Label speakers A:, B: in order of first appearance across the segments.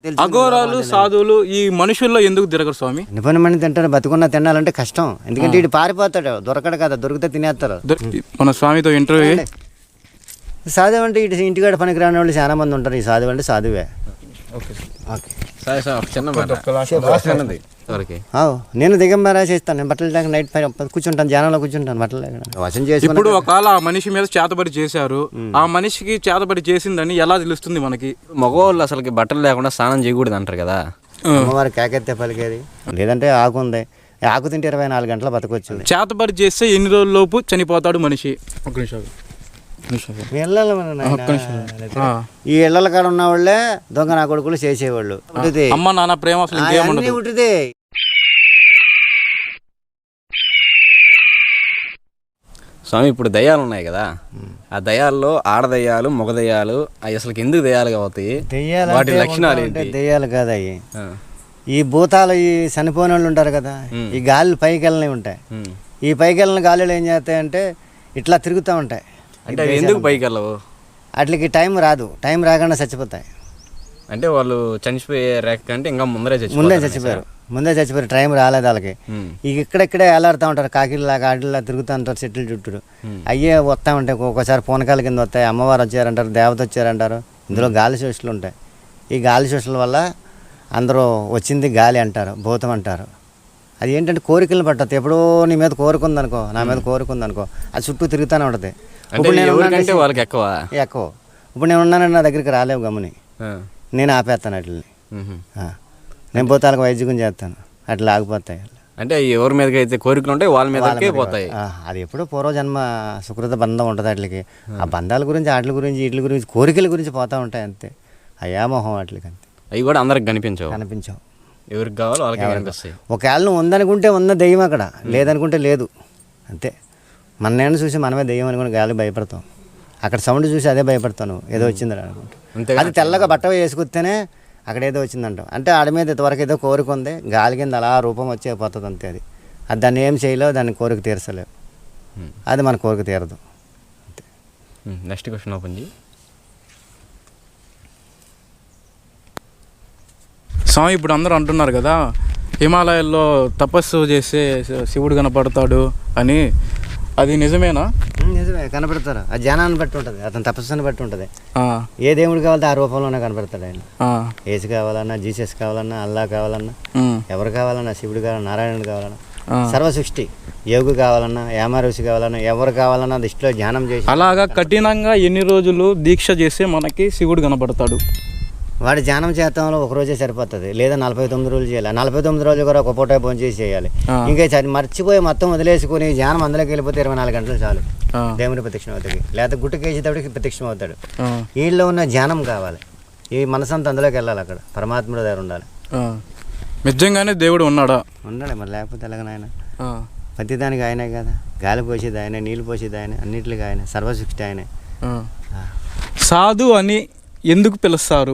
A: అఘోరాలు సాధువులు ఈ మనుషుల్లో ఎందుకు తిరగరు స్వామి?
B: నిపుణమని తింటారు, బతుకున్న తినాలంటే కష్టం. ఎందుకంటే వీడు పారిపోతాడు, దొరకడు కదా, దొరికితే తినేస్తారు.
A: మన స్వామితో ఇంటర్వ్యూ.
B: సాధువు అంటే ఇటు ఇంటికాడ పనికి రాని వాళ్ళు చాలా మంది ఉంటారు. ఈ సాధువు అంటే సాధువే. నేను దిగంబరా చేస్తాను. నేను బట్టలు లేక నైట్ కూర్చుంటాను, ధ్యానంలో కూర్చుంటాను బట్టలు లేక వశం చేసి.
A: ఇప్పుడు ఒకవేళ ఆ మనిషి మీద చేతబడి చేశారు, ఆ మనిషికి చేతబడి చేసిందని ఎలా తెలుస్తుంది మనకి?
C: మగవాళ్ళు అసలుకి బట్టలు లేకుండా స్నానం చేయకూడదు అంటారు కదా.
B: అమ్మవారి కేకెత్తే పలికేది. లేదంటే ఆకు ఉంది, ఆకు తింటే 24 గంటల బతకొచ్చు.
A: చేతబడి చేస్తే ఎన్ని రోజుల లోపు చనిపోతాడు మనిషి? ఒక నిమిషం.
B: ఈ ఇళ్ల కాడ ఉన్న వాళ్ళే దొంగ నా కొడుకులు చేసేవాళ్ళు.
A: అమ్మ నాన్న ప్రేమ
B: ఉంటుంది.
C: స్వామి ఇప్పుడు దయ్యాలు ఉన్నాయి కదా, ఆ దయ్యాల్లో ఆడదయ్యాలు మగ దయ్యాలు అవి అసలు ఎందుకు దయ్యాలుగా అవుతాయి? వాటి లక్షణాలు ఏంటి?
B: దయ్యాలు కాదు అవి, ఈ భూతాలు, ఈ చనిపోయిన వాళ్ళు ఉంటారు కదా, ఈ గాలి పైకి వెళ్ళని ఉంటాయి. ఈ పైకి వెళ్ళిన గాలిలో ఏం చేస్తాయంటే ఇట్లా తిరుగుతూ ఉంటాయి.
C: అంటే ఎందుకు పైకి వెళ్ళవు?
B: వాటికి టైం రాదు, టైం రాకుండా చచ్చిపోతాయి.
C: అంటే వాళ్ళు చనిపోయే రేఖ కంటే ఇంకా ముందే
B: చచ్చిపోయారు, టైం రాలేదు వాళ్ళకి. ఇక ఇక్కడెక్కడే వేలాడుతూ ఉంటారు, కాకిల్లాగా ఆడిల్లా తిరుగుతూ ఉంటారు చెట్లు చుట్టూ. అయ్యే వస్తూ ఉంటాయి, ఒక్కోసారి పూనకాల కింద వస్తాయి. అమ్మవారు వచ్చారంటారు, దేవత వచ్చారంటారు. ఇందులో గాలి శోషలు ఉంటాయి. ఈ గాలి శోషల వల్ల అందరూ వచ్చింది గాలి అంటారు, భూతం అంటారు. అది ఏంటంటే కోరికలు పట్టదు. ఎప్పుడో నీ మీద కోరుకుందనుకో, నా మీద కోరుకుందనుకో, అది చుట్టూ తిరుగుతూనే ఉంటుంది.
C: ఇప్పుడు నేను వాళ్ళకి ఎక్కువ.
B: ఇప్పుడు నేను ఉన్నానంటే నా దగ్గరికి రాలేవు గమ్ముని, నేను ఆపేస్తాను వాటిని. నేను భూతాలకు వైద్యం చేస్తాను, అట్లా ఆగిపోతాయి.
C: అంటే ఎవరి మీదకి అయితే కోరికలు ఉంటాయి వాళ్ళ మీదకే పోతాయి.
B: అది ఎప్పుడో పూర్వజన్మ సుకృత బంధం ఉంటుంది వాటికి. ఆ బంధాల గురించి, వాటి గురించి, వీటి గురించి, కోరికల గురించి పోతూ ఉంటాయి అంతే. అయామోహం వాటికి అంతే.
C: అవి కూడా అందరికి కనిపించవు. ఎవరికి కావాలో వాళ్ళకి కనిపిస్తాయి.
B: ఒకవేళ నువ్వు ఉందనుకుంటే ఉన్న దెయ్యం అక్కడ, లేదనుకుంటే లేదు అంతే. మన నేను చూసి మనమే దెయ్యం అనుకుని గాలి భయపడతాం. అక్కడ సౌండ్ చూసి అదే భయపడతాను, ఏదో వచ్చిందని అనుకుంటా. అది తెల్లగా బట్ట వేసుకొస్తేనే అక్కడ ఏదో వచ్చిందంటాం. అంటే ఆడ మీద ఇంతవరకు ఏదో కోరిక ఉంది, గాలి కింద అలా రూపం వచ్చే పోతుంది అంతే. అది దాన్ని ఏం చేయలేవు, దాన్ని కోరిక తీర్చలేవు. అది మన కోరిక తీరదు అంతే.
C: నెక్స్ట్ క్వశ్చన్ ఓపెన్ చేయి.
A: స్వామి ఇప్పుడు అందరూ అంటున్నారు కదా, హిమాలయాల్లో తపస్సు చేస్తే శివుడు కనపడతాడు అని, అది నిజమేనా?
B: నిజమే, కనపడతారు. ఆ జ్ఞానాన్ని బట్టి ఉంటుంది, అతని తపస్సుని బట్టి ఉంటుంది. ఏ దేవుడు కావాలంటే ఆ రూపంలోనే కనపడతాడు ఆయన. యేసు కావాలన్నా, జీసస్ కావాలన్నా, అల్లా కావాలన్నా, ఎవరు కావాలన్నా, శివుడు కావాలన్నా, నారాయణుడు కావాలన్నా, సర్వసృష్టి, యోగి కావాలన్నా, యామారుషి కావాలన్నా, ఎవరు కావాలన్నా దృష్టిలో ధ్యానం చేసి.
A: అలాగా కఠినంగా ఎన్ని రోజులు దీక్ష చేస్తే మనకి శివుడు కనపడతాడు?
B: వాడి ధ్యానం చేతంలో ఒక రోజే సరిపోతుంది, లేదా 49 రోజులు చేయాలి. 49 రోజులు కూడా ఒక పూట భోజనం చేసి చేయాలి. ఇంకా మర్చిపోయి మొత్తం వదిలేసుకుని ధ్యానం అందులోకి వెళ్ళిపోతే 24 గంటలు చాలు దేవుని ప్రత్యక్షం అవుతాడు, లేదా గుట్టకేసేటప్పటికి ప్రత్యక్షం అవుతాడు. వీళ్ళలో ఉన్న ధ్యానం కావాలి, ఈ మనసంతా అందులోకి వెళ్ళాలి, అక్కడ పరమాత్ముడు దగ్గర ఉండాలి.
A: నిజంగానే దేవుడు ఉన్నాడా?
B: ఉన్నాడు మరి, లేకపోతే ఎలాగనైనా. ప్రతిదానికి ఆయనే కదా, గాలి పోసేది ఆయనే, నీళ్ళు పోసేది ఆయనే, అన్నింటికి ఆయనే, సర్వశిష్టి ఆయనే.
A: సాధు అని ఎందుకు పిలుస్తారు?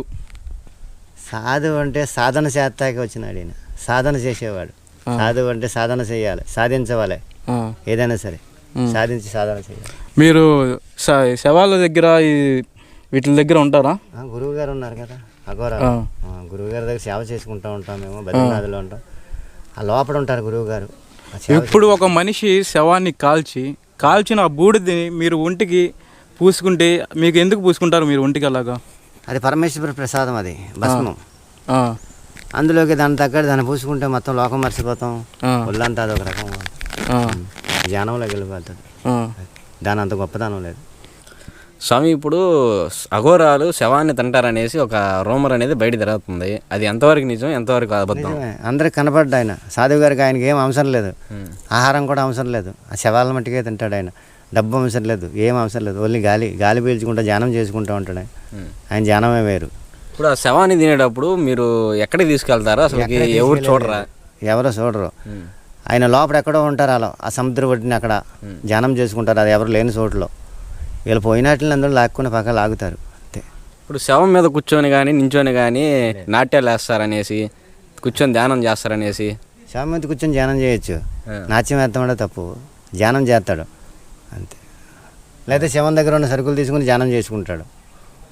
B: సాధువు అంటే సాధన చేస్తాకి వచ్చినాడు ఈయన, సాధన చేసేవాడు. సాధువు అంటే సాధన చేయాలి, సాధించవాలి, ఏదైనా సరే సాధించి సాధన చేయాలి.
A: మీరు శవాల దగ్గర వీటి దగ్గర ఉంటారా?
B: గురువు గారు ఉన్నారు కదా, అఘోరా గురువు గారి దగ్గర సేవ చేసుకుంటూ ఉంటాం మేము, బద్రీనాథ్లో ఉంటాం. ఆ లోపల ఉంటారు గురువు గారు.
A: ఇప్పుడు ఒక మనిషి శవాన్ని కాల్చిన ఆ బూడిదని మీరు ఒంటికి పూసుకుంటే మీకు ఎందుకు పూసుకుంటారు మీరు ఒంటికి? అలాగా
B: అది పరమేశ్వర ప్రసాదం, అది భస్మం. అందులోకి దాని తగ్గట్టు దాన్ని పూసుకుంటే మొత్తం లోకం మర్చిపోతాం, ఒళ్ళంతా అదొక రకం ధ్యానంలోకి వెళ్ళిపోతుంది. దాని అంత గొప్పదనం లేదు.
C: స్వామి ఇప్పుడు అఘోరాలు శవాన్ని తింటారనేసి ఒక రూమర్ అనేది బయట తిరుగుతుంది, అది ఎంతవరకు నిజం, ఎంతవరకు అబద్ధం?
B: అందరికి కనపడ్డా ఆయన. సాధువు గారికి ఆయనకి ఏం అవసరం లేదు, ఆహారం కూడా అవసరం లేదు, ఆ శవాల మట్టికే తింటాడు ఆయన. డబ్బు అవసరం లేదు, ఏం అవసరం లేదు, ఓన్లీ గాలి పీల్చుకుంటూ ధ్యానం చేసుకుంటూ ఉంటాడు ఆయన ధ్యానమే వేరు.
C: ఇప్పుడు ఆ శవాన్ని తినేటప్పుడు మీరు ఎక్కడికి తీసుకెళ్తారో అసలు ఎవరు చూడరా?
B: ఎవరో చూడరు, ఆయన లోపల ఎక్కడో ఉంటారు. అలా ఆ సముద్ర ఒడ్డుని అక్కడ ధ్యానం చేసుకుంటారు, అది ఎవరు లేని చోటులో. వీళ్ళు పోయినట్లని అందరూ లాక్కుని పక్క లాగుతారు అంతే.
C: ఇప్పుడు శవం మీద కూర్చొని కానీ నించొని కానీ నాట్యాలు వేస్తారనేసి, కూర్చొని ధ్యానం చేస్తారనేసి.
B: శవం మీద కూర్చొని ధ్యానం చేయొచ్చు, నాట్యం వేస్తామంటే తప్పు, ధ్యానం చేస్తాడు అంతే. లేదా శవం దగ్గర ఉన్న సరుకులు తీసుకుని ధ్యానం చేసుకుంటాడు.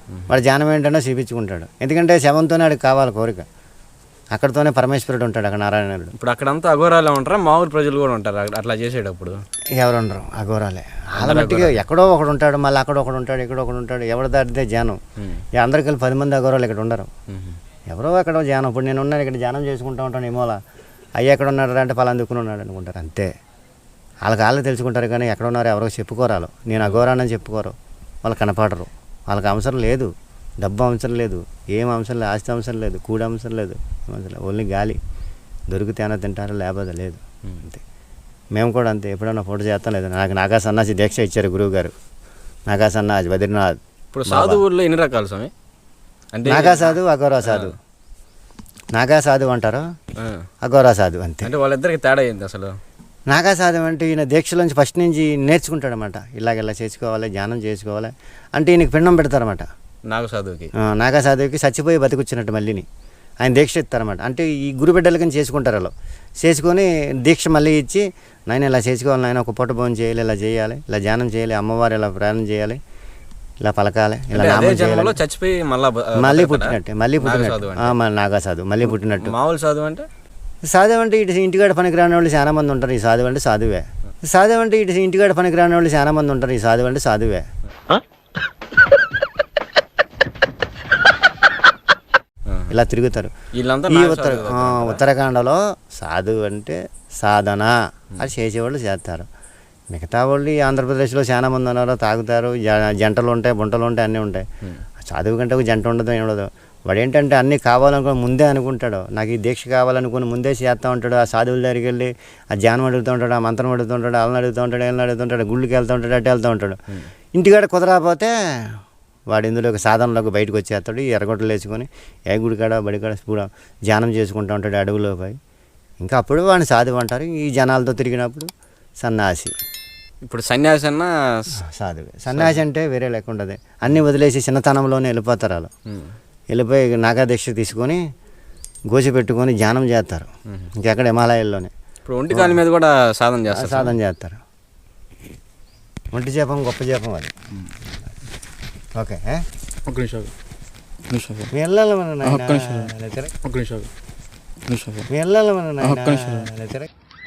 B: వాడు ధ్యానం ఏంటంటే చూపించుకుంటాడు. ఎందుకంటే శవంతోనే వాడికి కావాలి కోరిక. అక్కడతోనే పరమేశ్వరుడు ఉంటాడు, అక్కడ నారాయణుడు.
C: ఇప్పుడు అక్కడంతా అఘోరాలే ఉంటారా, మామూలు ప్రజలు కూడా ఉంటారు అట్లా చేసేటప్పుడు?
B: ఎవరు ఉండరు, అఘోరాలే. వాళ్ళ మట్టిగా ఎక్కడో ఒకడు ఉంటాడు, మళ్ళీ అక్కడ ఒకడు ఉంటాడు, ఇక్కడ ఒకడు ఉంటాడు. ఎవరు దాటితే ధ్యానం. అందరికి కలిపి 10 మంది అఘోరాలు ఇక్కడ ఉండరు. ఎవరో ఎక్కడో ధ్యానం. ఇప్పుడు నేను ఉన్నాను ఇక్కడ ధ్యానం చేసుకుంటూ ఉంటాను, ఏమోలా అయ్యి ఎక్కడ ఉన్నాడు అంటే పలానా దిక్కున ఉన్నాడు అనుకుంటారు, అంతే. వాళ్ళకి తెలుసుకుంటారు కానీ ఎక్కడ ఉన్నారో ఎవరో చెప్పుకోరాలు. నేను అఘోరానని చెప్పుకోరు, వాళ్ళు కనపడరు. వాళ్ళకి అవసరం లేదు, డబ్బు అవసరం లేదు, ఏం అవసరం లేదు, ఆస్తి అవసరం లేదు, కూడి అవసరం లేదు, ఓన్లీ గాలి దొరికితేనే తింటారు, లేకపోతే లేదు, అంతే. మేము కూడా అంతే. ఎప్పుడైనా ఫోటో చేస్తాం లేదు. నాకు నాగా సన్నాసి దీక్ష ఇచ్చారు గురువు గారు, నాగా సన్నాసి బద్రీనాథ్.
C: ఇప్పుడు సాధువుల్లో ఎన్ని రకాలు స్వామి? అంటే
B: నాగా సాధు, అఘోరా సాధు. నాగా సాధు అంటారు, అఘోరా సాధు, అంతే.
C: అంటే వాళ్ళిద్దరికి తేడా ఏంటి అసలు?
B: నాగా సాధు అంటే ఈయన దీక్షలోంచి ఫస్ట్ నుంచి నేర్చుకుంటాడనమాట. ఇలా చేసుకోవాలి, ధ్యానం చేసుకోవాలి అంటే ఈయనకి పిండం పెడతారన్నమాట.
C: నాగ సాధువుకి,
B: నాగా సాధువుకి చచ్చిపోయి బతికొచ్చినట్టు మళ్ళీని ఆయన దీక్ష ఇస్తారన్నమాట. అంటే ఈ గురు బిడ్డలకని చేసుకుంటారు. అలా చేసుకొని దీక్ష మళ్ళీ ఇచ్చి, నాయన ఇలా చేసుకోవాలి, నాయన ఒక పూట భోజనం చేయాలి, ఇలా చేయాలి, ఇలా ధ్యానం చేయాలి, అమ్మవారు ఇలా ప్రయాణం చేయాలి, ఇలా పలకాలి, ఇలా నామం చేయాలి.
C: చచ్చిపోయి
B: మళ్ళీ పుట్టినట్టే, మళ్ళీ పుట్టినట్టు. నాగా సాధు మళ్ళీ పుట్టినట్టు.
C: మామూలు సాధువు అంటే?
B: సాధువు అంటే ఇటు ఇంటికాడ పనికి రాని వాళ్ళు చాలా మంది ఉంటారు. ఈ సాధువు అంటే సాధువే. సాధువు అంటే ఇటు ఇంటికాడ పనికి రాని వాళ్ళు చాలా మంది ఉంటారు. ఈ సాధువు అంటే సాధువే. ఇలా తిరుగుతారు. ఈ ఉత్తరాఖండలో సాధువు అంటే సాధన అది చేసేవాళ్ళు చేస్తారు. మిగతా వాళ్ళు ఈ ఆంధ్రప్రదేశ్లో చాలా మంది ఉన్నారు, తాగుతారు, జంటలు ఉంటాయి, బుంటలు ఉంటాయి, అన్నీ ఉంటాయి. చదువు కంటే ఒక జంట ఉండదు, ఏం ఉండదు. వాడు ఏంటంటే అన్నీ కావాలనుకుని ముందే అనుకుంటాడు, నాకు ఈ దీక్ష కావాలనుకుని ముందే చేస్తూ ఉంటాడు. ఆ సాధువుల దగ్గరికి వెళ్ళి ఆ ధ్యానం అడుగుతూ ఉంటాడు, ఆ మంత్రం అడుగుతూ ఉంటాడు, వాళ్ళని అడుగుతూ ఉంటాడు, వీళ్ళని అడుగుతూ ఉంటాడు, గుళ్ళకి వెళ్తూ ఉంటాడు, అట్టే వెళ్తూ ఉంటాడు. ఇంటికాడ కుదరకపోతే వాడు ఇందులో ఒక సాధనలోకి బయటకు వచ్చేస్తాడు. ఈ ఎర్రగొట్టలు వేసుకొని ఏ గుడికాడ బడికాడ కూడా ధ్యానం చేసుకుంటూ ఉంటాడు అడవిలో పోయి. ఇంకా అప్పుడు వాడిని సాధువు అంటారు. ఈ జనాలతో తిరిగినప్పుడు సన్యాసి.
C: ఇప్పుడు సన్యాసి అన్న
B: సాధువే. సన్యాసి అంటే వేరే లేకుండా అన్నీ వదిలేసి చిన్నతనంలోనే వెళ్ళిపోతారు. వాళ్ళు వెళ్ళిపోయి నాగాదీక్ష తీసుకొని గోసి పెట్టుకొని ధ్యానం చేస్తారు. ఇంకెక్కడ హిమాలయాల్లోనే.
C: ఇప్పుడు ఒంటి కాలి మీద కూడా సాధన
B: చేస్తారు. ఒంటి జపం గొప్ప జపం అది. ఓకే,
A: ఒక నిమిషం
B: వెళ్ళాలి మన వెళ్ళాలి మన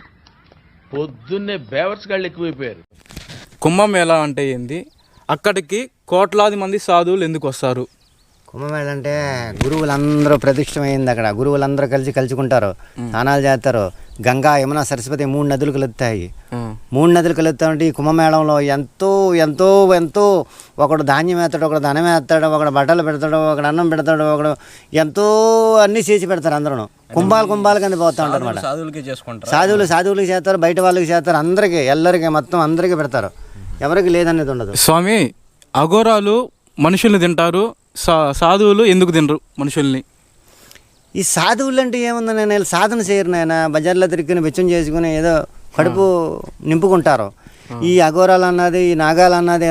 D: పొద్దున్నే బేవర్స్ గాళ్ళు ఎక్కువైపోయారు.
A: కుంభమేళా అంటే ఏంది? అక్కడికి కోట్లాది మంది సాధువులు ఎందుకు వస్తారు?
B: కుంభమేళ అంటే గురువులందరూ ప్రతిష్టమైంది. అక్కడ గురువులందరూ కలుసుకుంటారు, స్నానాలు చేస్తారు. గంగా, యమున, సరస్వతి 3 నదులు కలుగుతాయి. 3 నదులు కలుగుతా ఉంటే ఈ కుంభమేళంలో ఎంతో ఎంతో ఎంతో ఒకడు ధాన్యం వేస్తాడు, ఒకడు ధనం వేస్తాడు, ఒకడు బట్టలు పెడతాడు, ఒకడు అన్నం పెడతాడు, ఒకడు ఎంతో అన్నీ చేసి పెడతారు. అందరూ కుంభాలు కింద పోతూ ఉంటారు అనమాట. సాధువులకి చేస్తారు, బయట వాళ్ళకి చేస్తారు, అందరికీ ఎల్లరికి మొత్తం అందరికీ పెడతారు. ఎవరికి లేదనేది ఉండదు.
A: స్వామి, అఘోరాలు మనుషుల్ని తింటారు, సాధువులు ఎందుకు తినరు మనుషుల్ని?
B: ఈ సాధువులు అంటే ఏముంది, నేను సాధన చేయరు నాయన. బజార్లో తిరిగి వెచ్చం చేసుకుని ఏదో కడుపు నింపుకుంటారు. ఈ అఘోరాలు అన్నది, ఈ నాగాలు అన్నది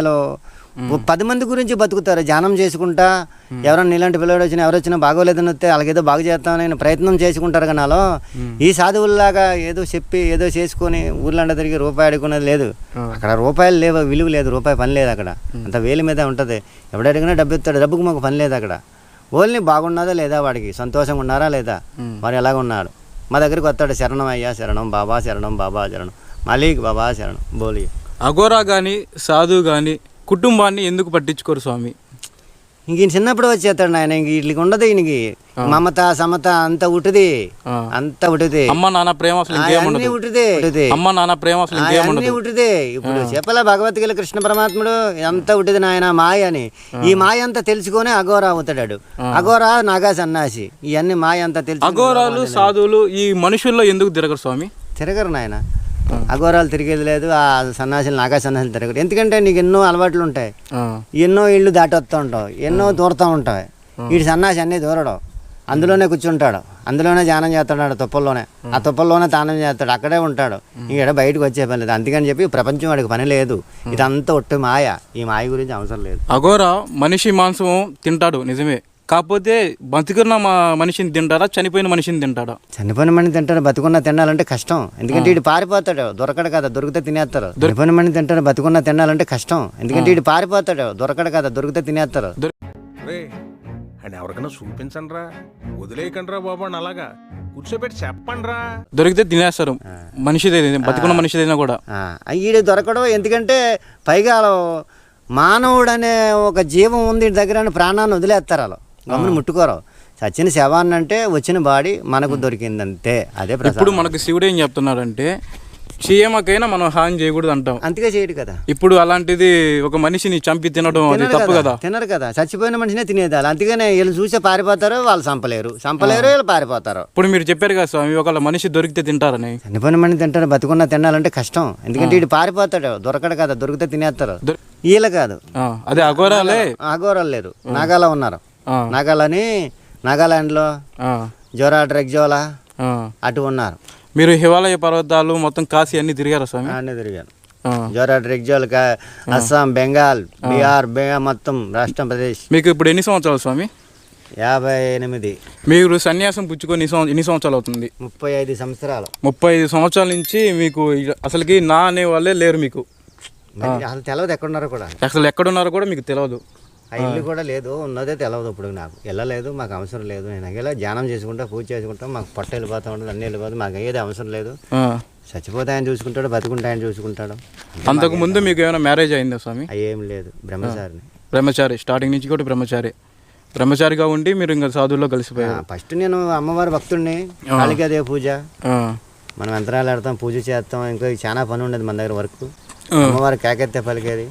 B: 10 మంది గురించి బతుకుతారు ధ్యానం చేసుకుంటా. ఎవరన్నా ఇలాంటి పిల్లడు వచ్చినా, ఎవరు వచ్చినా బాగోలేదని వస్తే వాళ్ళకేదో బాగు చేస్తామని ప్రయత్నం చేసుకుంటారు. కానీ వాళ్ళు ఈ సాధువుల్లాగా ఏదో చెప్పి ఏదో చేసుకొని ఊర్లంట తిరిగి రూపాయి అడుగుకునేది లేదు. అక్కడ రూపాయలు లేవు, విలువ లేదు, రూపాయి పని లేదు. అక్కడ అంత వేలు మీద ఉంటుంది. ఎవడు అడిగినా డబ్బు ఇస్తాడు, డబ్బుకు మాకు పని లేదు. అక్కడ ఓన్లీ బాగున్నదా లేదా, వాడికి సంతోషంగా ఉన్నారా లేదా, మరి ఎలాగ ఉన్నాడు. మా దగ్గరికి వస్తాడు, శరణం అయ్యా శరణం, బాబా శరణం, బాబా శరణం, మాలిక్ బాబా శరణం బోలి.
A: అఘోరా కానీ సాధువు కానీ కుటుంబాన్ని ఎందుకు పట్టించుకోరు స్వామి?
B: ఇంక ఈయన చిన్నప్పుడు వచ్చేస్తాడు నాయన. ఇంక వీళ్ళకి ఉండదు, ఈయనకి మమత సమత అంత ఉటుది, అంత ఉటుది.
A: అమ్మ నాన్న ప్రేమ
B: అన్ని ఉటుదే,
A: అమ్మ నాన్న ప్రేమ
B: అన్ని ఉటుదే. ఇప్పుడు చెప్పలే భగవద్గీత కృష్ణ పరమాత్ముడు ఎంత ఉటిది నాయన మాయ అని. ఈ మాయ అంతా తెలుసుకొని అఘోరా అవుతాడు. అఘోరా నాగా సన్నాసి, ఇవన్నీ మాయ అంతా తెలుసు.
A: అఘోరాలు సాధువులు ఈ మనుషుల్లో ఎందుకు తిరగరు స్వామి?
B: తిరగరు నాయన. అఘోరాలు తిరిగేది లేదు, ఆ సన్నాసులు నాగా సన్నాసులు తిరగరు. ఎందుకంటే నీకు ఎన్నో అలవాట్లు ఉంటాయి, ఎన్నో ఇళ్ళు దాటి వస్తూ ఉంటావు, ఎన్నో దూరుతూ ఉంటాయి. వీడి సన్నాసి అన్నీ దూరడం, అందులోనే కూర్చుంటాడు, అందులోనే ధ్యానం చేస్తాడు, తుప్పల్లోనే. ఆ తుప్పల్లోనే తానం చేస్తాడు, అక్కడే ఉంటాడు. ఇక్కడ బయటకు వచ్చే పని లేదు. అందుకని చెప్పి ప్రపంచం వాడికి పని లేదు. ఇదంతా ఒట్టి మాయ. ఈ మాయ గురించి అవసరం లేదు.
A: అఘోరా మనిషి మాంసం తింటాడు నిజమే, కాకపోతే బతుకున్న మనిషిని తింటారా, చనిపోయిన మనిషిని తింటాడా?
B: చనిపోయిన మనిషి తింటాడు, బతుకున్న తినాలంటే కష్టం. ఎందుకంటే వీడు పారిపోతాడు, దొరకడు కదా, దొరికితే తినేస్తారు. చనిపోయిన మనిషి తింటాడు, బతుకున్న తినాలంటే కష్టం. ఎందుకంటే వీడు పారిపోతాడు, దొరకడు కదా, దొరికితే తినేస్తారు.
E: రే అని ఎవరికైనా చూపించండి రా, వదిలేయకండి రా బాబు అని అలాగా కూర్చోబెట్టి చెప్పండి రా.
A: దొరికితే తినేస్తారు, మనిషిదే బతుకున్న మనిషిదైనా కూడా.
B: ఈడు దొరకడం ఎందుకంటే పైగా మానవుడు అనే ఒక జీవం ఉంది వీడి దగ్గర అని ప్రాణాన్ని వదిలేస్తారు వాళ్ళు, గమ్మున ముట్టుకోరు. చచ్చిన శవాన్ని అంటే వచ్చిన బాడీ మనకు దొరికిందంతే, అదే ప్రసాదం.
A: ఇప్పుడు మనకు శివుడు ఏం చెప్తున్నాడంటే చీమకైనా మనం హాని చేయకూడదు అంటాం.
B: అంతగా చేయడు కదా.
A: ఇప్పుడు అలాంటిది ఒక మనిషిని చంపి తినడం అది తప్పు కదా.
B: తినరు కదా, చచ్చిపోయిన మనిషినే తినేదాలు. అందుకనే వీళ్ళు చూసే పారిపోతారు, వాళ్ళు చంపలేరు వీళ్ళు పారిపోతారు.
A: ఇప్పుడు మీరు చెప్పారు కదా స్వామి, ఒకళ్ళ మనిషి దొరికితే తింటారని.
B: చనిపోయిన మనిషి తింటారు, బతుకున్నా తినాలంటే కష్టం. ఎందుకంటే వీడు పారిపోతాడు, దొరకడు కదా, దొరికితే తినేస్తారు. వీళ్ళు కాదు,
A: అదే అఘోరాలే.
B: అఘోరాలు లేరు, నాగాలో ఉన్నారు. నాగాలని నాగాలాండ్లో జోరా డ్రెగ్జోలా అటు ఉన్నారు.
A: మీరు హిమాలయ పర్వతాలు మొత్తం కాశీ అన్ని తిరిగారా స్వామి?
B: అన్నీ తిరిగాను. జోరా డ్రెగ్జోల్, అస్సాం, బెంగాల్, బీహార్, మొత్తం రాష్ట్రం ప్రదేశ్.
A: మీకు ఇప్పుడు ఎన్ని సంవత్సరాలు స్వామి?
B: 58.
A: మీరు సన్యాసం పుచ్చుకొని ఎన్ని సంవత్సరాలు అవుతుంది?
B: 35 సంవత్సరాలు.
A: 35 సంవత్సరాల నుంచి మీకు అసలుకి నా అనే వాళ్ళే లేరు మీకు.
B: అసలు తెలియదు ఎక్కడున్నారో కూడా,
A: అసలు ఎక్కడున్నారో కూడా మీకు తెలియదు.
B: ఆ ఇల్లు కూడా లేదు, ఉన్నదే తెలియదు. ఇప్పుడు నాకు వెళ్ళలేదు, మాకు అవసరం లేదు. నేను ఇలా ధ్యానం చేసుకుంటా, పూజ చేసుకుంటాం, మాకు పొట్ట వెళ్ళిపోతూ ఉంటుంది, అన్నీ వెళ్ళిపోతుంది, మాకు ఏది అవసరం లేదు. చచ్చిపోతే ఆయన చూసుకుంటాడు, బతుకుంటే ఆయన చూసుకుంటాడు.
A: అంతకు ముందు మీకు ఏమైనా మ్యారేజ్ అయిందా స్వామి?
B: ఏం లేదు, బ్రహ్మచారిని.
A: బ్రహ్మచారి, స్టార్టింగ్ నుంచి కూడా బ్రహ్మచారిగా ఉండి మీరు ఇంకా సాధువుల్లో కలిసిపోయారు.
B: ఫస్ట్ నేను అమ్మవారి భక్తుడిని, కాళికాదే పూజ, మనం యంత్రాలు ఆడతాం, పూజ చేస్తాం, ఇంకా చాలా పని ఉండేది మన దగ్గర వర్క్. అమ్మవారి కేకెత్తే పలికేది,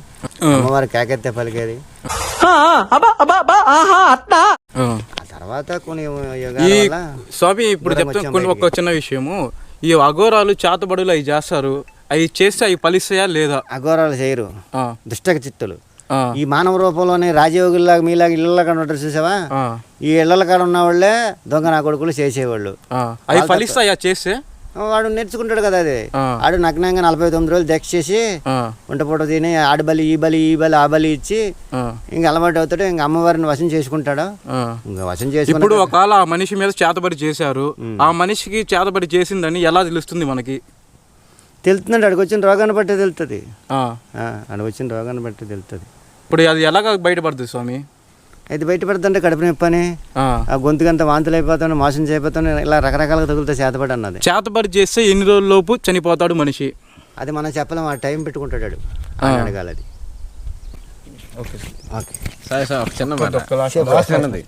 B: ఆ తర్వాత కొన్ని
A: స్వామి ఇప్పుడు చెప్తాను ఒక చిన్న విషయము. ఈ అఘోరాలు చేతబడులు అవి చేస్తారు, అవి చేస్తే అవి ఫలిస్తాయా లేదా?
B: అఘోరాలు చేయరు, దుష్టక చిత్తులు. ఈ మానవ రూపంలోనే రాజయోగుల్లాగా మీలాగా ఇళ్ళ కాడ ఉంటారు చూసావా, ఈ ఇళ్ళ కాడ ఉన్న వాళ్ళే దొంగ నా కొడుకులు చేసేవాళ్ళు.
A: అవి ఫలిస్తాయా చేస్తే?
B: వాడు నేర్చుకుంటాడు కదా, అది ఆడు నగ్నంగా 49 రోజులు దీక్ష చేసి వంట పూట తిని ఆడి బలి ఈ బలి ఆ బలి ఇచ్చి ఇంకా అలవాటు అవుతాడు, ఇంకా అమ్మవారిని వశం చేసుకుంటాడు. ఇంకా వశం చేసుకుని
A: ఇప్పుడు ఒకవేళ ఆ మనిషి మీద చేతబడి చేశారు, ఆ మనిషికి చేతబడి చేసిందని ఎలా తెలుస్తుంది మనకి?
B: తెలుస్తుందండి, అడిగి వచ్చిన రోగాన్ని బట్టి తెలుస్తుంది. అడిగి వచ్చిన రోగాన్ని బట్టి తెలుస్తుంది.
A: ఇప్పుడు అది ఎలాగ బయటపడుతుంది స్వామి?
B: అయితే బయటపడుతుంటే కడుపు నొప్పి అని, ఆ గొంతుకంతా వాంతులు అయిపోతాను, మోసం చేయబోతాను, ఇలా రకరకాలుగా తగులుతా చేతబడి అన్నది.
A: చేతబడి చేస్తే ఎన్ని రోజుల లోపు చనిపోతాడు మనిషి?
B: అది మనం చెప్పలేము, ఆ టైం పెట్టుకుంటాడు, అడగాలి అది.
C: ఓకే సార్, ఒక చిన్న మాట.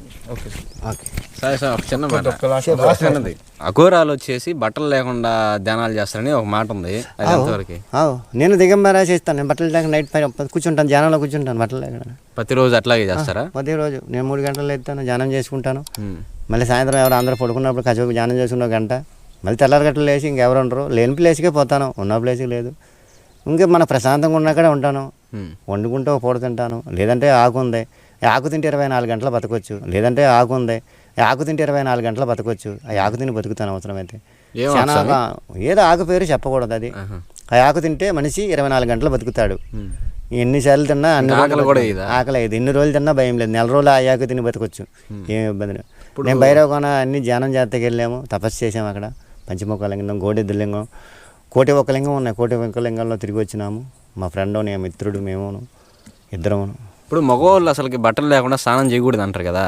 C: అఘోరాలు వచ్చేసి బట్టలు లేకుండా ధ్యానాలు చేస్తారని ఒక మాట ఉంది, అది ఎంతవరకు?
B: నేను దిగంబరా చేస్తాను, నేను బట్టలు లేక నైట్ కూర్చుంటాను, ధ్యానంలో కూర్చుంటాను బట్టలు లేకుండా.
C: ప్రతిరోజు అట్లాగే చేస్తారా?
B: ప్రతిరోజు నేను 3 గంటలు లేస్తాను, ధ్యానం చేసుకుంటాను. మళ్ళీ సాయంత్రం ఎవరు అందరూ పడుకున్నప్పుడు కాసేపు ధ్యానం చేసుకున్న 1 గంట, మళ్ళీ తెల్లారి గంటలు లేచి ఇంకెవరు ఉండరు, లేని ప్లేస్కే పోతాను, ఉన్న ప్లేస్కి లేదు. ఇంకా మన ప్రశాంతంగా ఉన్నక్కడే ఉంటాను, వండుకుంటే ఒక పూట తింటాను, లేదంటే ఆకు ఉంది, ఆకు తింటే 24 గంటలు బతకొచ్చు, లేదంటే ఆకు ఉంది, ఆకు తింటే 24 గంటలు బతకొచ్చు. ఆ ఆకు తిని బతుకుతాను అవసరమైతే. చాలా ఏదో ఆకు పేరు చెప్పకూడదు, అది ఆ ఆకు తింటే మనిషి 24 గంటలు బతుకుతాడు. ఎన్నిసార్లు తిన్నా అన్ని ఆకలి అయ్యేది, ఎన్ని రోజులు తిన్నా భయం లేదు, 1 రోజులు ఆ ఆకు తిని బతకొచ్చు, ఏమి ఇబ్బంది లేదు. నేను భైరవకోన అన్ని ధ్యానం చేతకి వెళ్ళాము, తపస్సు చేసాము అక్కడ. పంచముఖలింగం, గోడెద్దులింగం, కోటి ఒక్క లింగం ఉన్నాయి, కోటి ఒక్క లింగంలో తిరిగి వచ్చినాము. మా ఫ్రెండ్ నేను మిత్రుడు మేమును ఇద్దరము.
C: ఇప్పుడు మగవాళ్ళు అసలుకి బట్టలు లేకుండా స్నానం చేయకూడదు అంటారు కదా,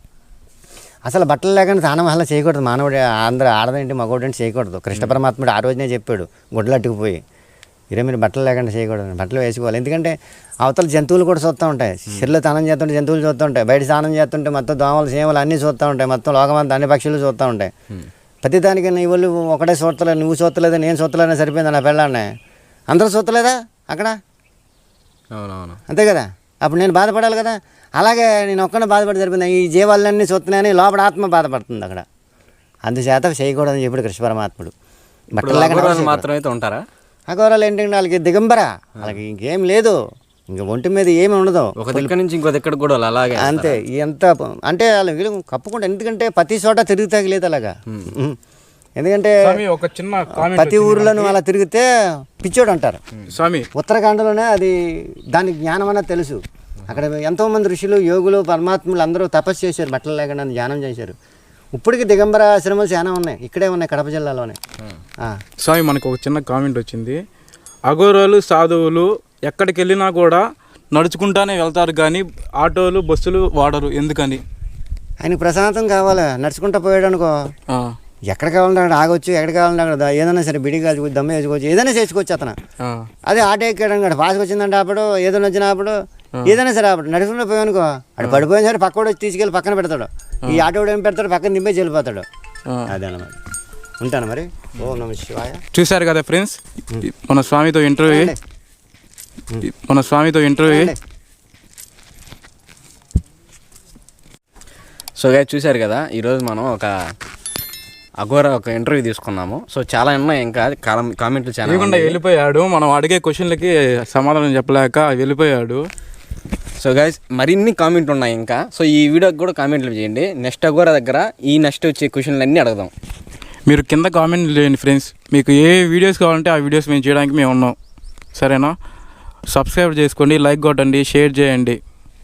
B: అసలు బట్టలు లేకుండా స్నానం అలా చేయకూడదు. మానవుడు అందరూ ఆడదేంటి మగవాడు చేయకూడదు. కృష్ణ పరమాత్ముడు ఆ రోజునే చెప్పాడు, గుడ్డలు అట్టుకుపోయి, మీరు బట్టలు లేకుండా చేయకూడదు, బట్టలు వేసుకోవాలి. ఎందుకంటే అవతల జంతువులు కూడా చూస్తూ ఉంటాయి, చెరువులో స్నానం చేస్తుంటే జంతువులు చూస్తూ ఉంటాయి, బయట స్నానం చేస్తుంటే మొత్తం దోమలు సేమలు అన్నీ చూస్తూ ఉంటాయి, మొత్తం లోకమంతా అన్ని పక్షులు చూస్తూ ఉంటాయి. ప్రతిదానికి నీ వాళ్ళు ఒకటే చూస్తలేదు, నువ్వు చూస్తలేదు, నేను చూస్తలేదని సరిపోయింది నా పెళ్ళాన్ని, అందరూ చూస్తలేదా అక్కడ?
C: అవునవును,
B: అంతే కదా. అప్పుడు నేను బాధపడాలి కదా. అలాగే నేను ఒక్కనే బాధపడి సరిపోయింది, ఈ జీవాలన్నీ చూస్తున్నాయని లోపల ఆత్మ బాధపడుతుంది అక్కడ. అందుచేత చేయకూడదని చెప్పాడు కృష్ణ పరమాత్ముడు. బట్టలు లేకుండా
C: మాత్రం అయితే ఉంటారా
B: అఘోరాలు? ఏంటంటే వాళ్ళకి దిగంబర, వాళ్ళకి ఇంకేం లేదు, ఇంకా ఒంటి మీద ఏమి ఉండదు,
C: ఒక దగ్గర నుంచి ఇంకో దగ్గర కూడా అలాగే
B: అంతే. ఎంత అంటే వాళ్ళు వీళ్ళు కప్పుకుంటారు, ఎందుకంటే ప్రతి చోట తిరుగుతాకి లేదు అలాగా. ఎందుకంటే
A: ఒక చిన్న
B: ప్రతి ఊర్లోనూ అలా తిరిగితే పిచ్చోడు అంటారు
A: స్వామి.
B: ఉత్తరాఖండలోనే అది దానికి జ్ఞానం అన్నది తెలుసు. అక్కడ ఎంతోమంది ఋషులు, యోగులు, పరమాత్ములు అందరూ తపస్సు చేశారు, బట్టలు లేకుండా ధ్యానం చేశారు. ఇప్పటికీ దిగంబర ఆశ్రమాలు చాలా ఉన్నాయి, ఇక్కడే ఉన్నాయి, కడప జిల్లాలోనే.
A: స్వామి మనకు ఒక చిన్న కామెంట్ వచ్చింది, అఘోరాలు సాధువులు ఎక్కడికి వెళ్ళినా కూడా నడుచుకుంటానే వెళ్తారు కానీ ఆటోలు బస్సులు వాడరు, ఎందుకని?
B: ఆయనకి ప్రశాంతం కావాలి. నడుచుకుంటూ పోయాడు అనుకో,
A: ఆ,
B: ఎక్కడ కావాలంటే అక్కడ ఆగొచ్చు, ఎక్కడ కావాలంటే అక్కడ ఏదైనా సరే బిడి కాల్చుకోవచ్చు, దమ్మ వేసుకోవచ్చు, ఏదైనా చేసుకోవచ్చు అతను.
A: ఆ,
B: అదే ఆటో ఎక్కాడు అనుకోండి, పాస్కి వచ్చిందంటే అప్పుడు, ఏదైనా వచ్చినప్పుడు ఏదైనా సరే అప్పుడు నడుచుకుంటూ పోయానుకో, అక్కడ పడిపోయిన సరే పక్కడు వచ్చి తీసుకెళ్ళి పక్కన పెడతాడు. ఈ ఆటో ఏం పెడతాడు, పక్కన దింపేసి వెళ్ళిపోతాడు.
A: ఆ.
B: అదనమాట. ఉంటాను మరి. ఓం నమః శివాయ.
A: చూశారు కదా ఫ్రెండ్స్, మన స్వామితో ఇంటర్వ్యూ.
C: సో గైస్ చూశారు కదా, ఈరోజు మనం ఒక అఘోర ఒక ఇంటర్వ్యూ తీసుకున్నాము. సో చాలా ఉన్నాయి, ఇంకా కామెంట్లు చాలా
A: లేకుండా వెళ్ళిపోయాడు. మనం అడిగే క్వశ్చన్లకి సమాధానం చెప్పలేక వెళ్ళిపోయాడు.
C: సో గైస్ మరిన్ని కామెంట్లు ఉన్నాయి ఇంకా. సో ఈ వీడియోకి కూడా కామెంట్లు చేయండి. నెక్స్ట్ అఘోర దగ్గర ఈ నెక్స్ట్ వచ్చే క్వశ్చన్లు అన్నీ అడుగుదాం.
A: మీరు కింద కామెంట్ చేయండి ఫ్రెండ్స్. మీకు ఏ వీడియోస్ కావాలంటే ఆ వీడియోస్ మేము చేయడానికి మేము ఉన్నాం. సరేనా? సబ్స్క్రైబ్ చేసుకోండి, లైక్ కొట్టండి, షేర్ చేయండి.